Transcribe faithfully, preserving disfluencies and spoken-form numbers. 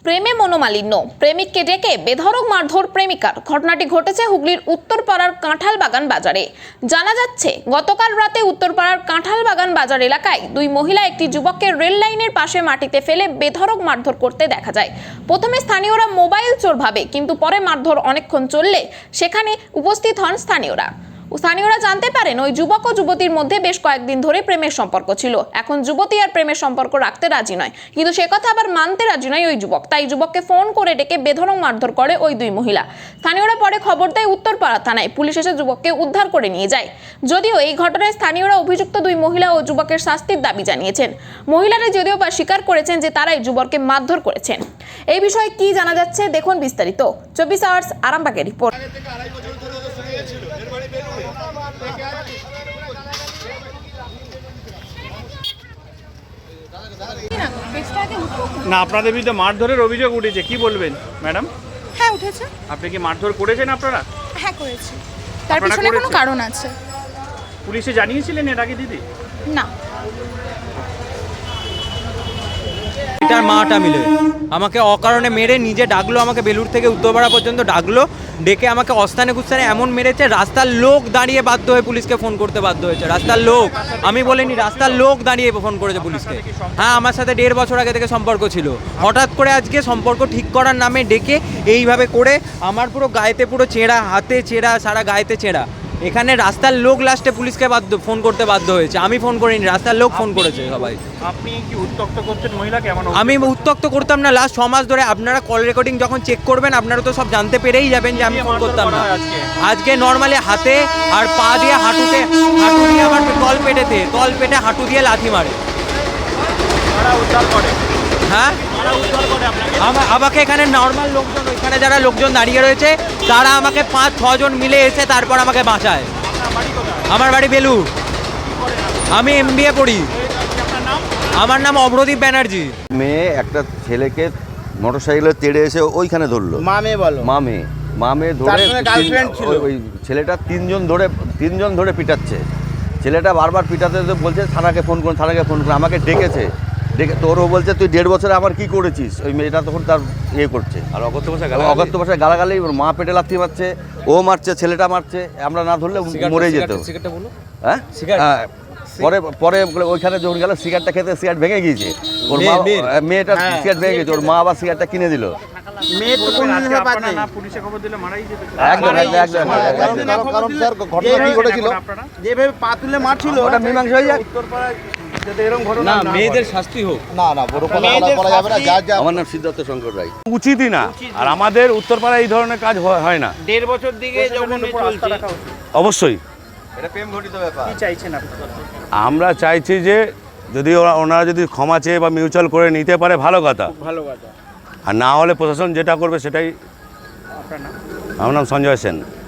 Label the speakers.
Speaker 1: প্রেমে মনোমালিন্য, প্রেমিককে ডেকে বেধড়ক মারধর প্রেমিকার। ঘটনাটি ঘটেছে হুগলির উত্তরপাড়ার কাঁঠালবাগান বাজারে। জানা যাচ্ছে গতকাল রাতে উত্তরপাড়ার কাঁঠালবাগান বাজার এলাকায় দুই মহিলা একটি যুবককে রেল লাইনের পাশে মাটিতে ফেলে বেধড়ক মারধর করতে দেখা যায়। প্রথমে স্থানীয়রা মোবাইল চোর ভাবে, কিন্তু পরে মারধর অনেকক্ষণ চললে সেখানে উপস্থিত হন স্থানীয়রা। স্থানীয়রা জানতে পারেন ওই যুবক ও যুবতীর মধ্যে বেশ কয়েকদিন ধরে প্রেমের সম্পর্ক ছিল। এখন যুবতী আর প্রেমের সম্পর্ক রাখতে রাজি নয়, কিন্তু সে কথা আবার মানতে রাজি নয় ওই যুবক। তাই যুবককে ফোন করে ডেকে বেধড়ক মারধর করে ওই দুই মহিলা। স্থানীয়রা পরে খবর দেয় উত্তরপাড়া থানায়। পুলিশ এসে যুবককে উদ্ধার করে নিয়ে যায়। যদিও এই ঘটনায় স্থানীয়রা অভিযুক্ত দুই মহিলা ও যুবকের শাস্তির দাবি জানিয়েছেন। মহিলারা যদিও বা স্বীকার করেছেন যে তারাই যুবককে মারধর করেছেন। এই বিষয়ে কি জানা যাচ্ছে দেখুন বিস্তারিত। চব্বিশ আওয়ার্স আরামবাগের রিপোর্ট।
Speaker 2: না, আপনাদের বিরুদ্ধে মারধরের অভিযোগ উঠেছে, কি বলবেন ম্যাডাম?
Speaker 3: হ্যাঁ উঠেছে।
Speaker 2: আপনি কি মারধর করেছেন আপনারা?
Speaker 3: হ্যাঁ করেছি। তার পিছনে কোনো কারণ আছে?
Speaker 2: পুলিশে জানিয়েছিলেন এর আগে দিদি?
Speaker 3: না।
Speaker 4: এটার মাটা মিলে আমাকে অকারণে মেরে নিজে ডাকলো, আমাকে বেলুড় থেকে উত্তরপাড়া পর্যন্ত ডাকলো, ডেকে আমাকে অস্থানে কুস্থানে এমন মেরেছে, রাস্তার লোক দাঁড়িয়ে বাধ্য হয়ে পুলিশকে ফোন করতে বাধ্য হয়েছে। রাস্তার লোক, আমি বলিনি, রাস্তার লোক দাঁড়িয়ে ফোন করেছে পুলিশকে। হ্যাঁ, আমার সাথে দেড় বছর আগে থেকে সম্পর্ক ছিল। হঠাৎ করে আজকে সম্পর্ক ঠিক করার নামে ডেকে এইভাবে করে আমার পুরো গায়েতে পুরো চেঁড়া, হাতে চেঁড়া, সারা গায়েতে চেঁড়া। এখানে রাস্তার লোক লাস্টে পুলিশকে বাধ্য ফোন করতে বাধ্য হয়েছে, আমি ফোন করিনি, রাস্তার লোক ফোন করেছে সবাই।
Speaker 2: আপনি কি উত্তক্ত করছেন মহিলাকে? এমন
Speaker 4: আমি উত্তক্ত করতাম না। লাস্ট ছ মাস ধরে আপনারা কল রেকর্ডিং যখন চেক করবেন আপনারা তো সব জানতে পেরেই যাবেন যে আমি ফোন করতাম না। আজকে নর্মালি হাতে আর পা দিয়ে হাঁটুতে, হাঁটু দিয়ে আমার তল পেটেতে, তল পেটে হাঁটু দিয়ে লাথি মারে। হ্যাঁ, আমাকে এখানে নর্মাল লোকজন, ওইখানে যারা লোকজন দাঁড়িয়ে রয়েছে তারা আমাকে পাঁচ ছজন মিলে এসে তারপর আমাকে বাঁচায়। আমার বাড়ি বেলুড়। আমি এম বি এ পড়ি। আমার নাম অভ্রদীপ ব্যানার্জি।
Speaker 5: মেয়ে একটা ছেলেকে মোটরসাইকেলে তেড়ে এসে ওইখানে ধরলো।
Speaker 6: মা মেয়ে বলো?
Speaker 5: মা মেয়ে মা মেয়ে ধরে ওই ছেলেটা তিনজন ধরে তিনজন ধরে পিটাচ্ছে। ছেলেটা বারবার পিটাতে বলছে থানাকে ফোন করুন, থানাকে ফোন করুন। আমাকে ডেকেছে, ডেকে তোরও বলছে তুই দেড় বছরে আমার কি করেছিস। ওই মেয়েটা তখন তার ইয়ে করছে, আর অগত্য ভাষায় অগত্য ভাষায় গালাগালি। মা পেটে লাথি মারছে, ও মারছে, ছেলেটা মারছে। আমরা না ধরলে মরে যেত। হ্যাঁ, পরে পরে ওইখানে যখন গেল সিগারেটটা খেতে, সিগারেট ভেঙে গিয়েছে ওর মা। মেয়েটা সিগারেট ভেঙে গেছে, ওর মা আবার সিগারেটটা কিনে দিল।
Speaker 6: যেভাবে পা তুলে মারছিল
Speaker 5: ওটা মীমাংসা হয়ে যাক।
Speaker 4: মেয়েদের শাস্তি হোক।
Speaker 6: না না, বড় কথা বলা যাবে না। যা যা
Speaker 5: আমার নাম সিদ্ধার্থ শঙ্কর রায়।
Speaker 7: উচিতই না, আর আমাদের উত্তরপাড়ায় এই ধরনের কাজ হয় না।
Speaker 6: দেড় বছর দিকে যখন চলছে
Speaker 7: অবশ্যই
Speaker 5: এটা প্রেম ঘটিত ব্যাপার।
Speaker 2: কি চাইছেন আপনারা?
Speaker 7: আমরা চাইছি যে যদি ওরা- ওনারা যদি ক্ষমা চেয়ে বা মিউচুয়াল করে নিতে পারে ভালো কথা,
Speaker 2: ভালো কথা।
Speaker 7: আর না হলে প্রশাসন যেটা করবে সেটাই।
Speaker 2: আপনার নাম?
Speaker 7: আমার নাম সঞ্জয় সেন।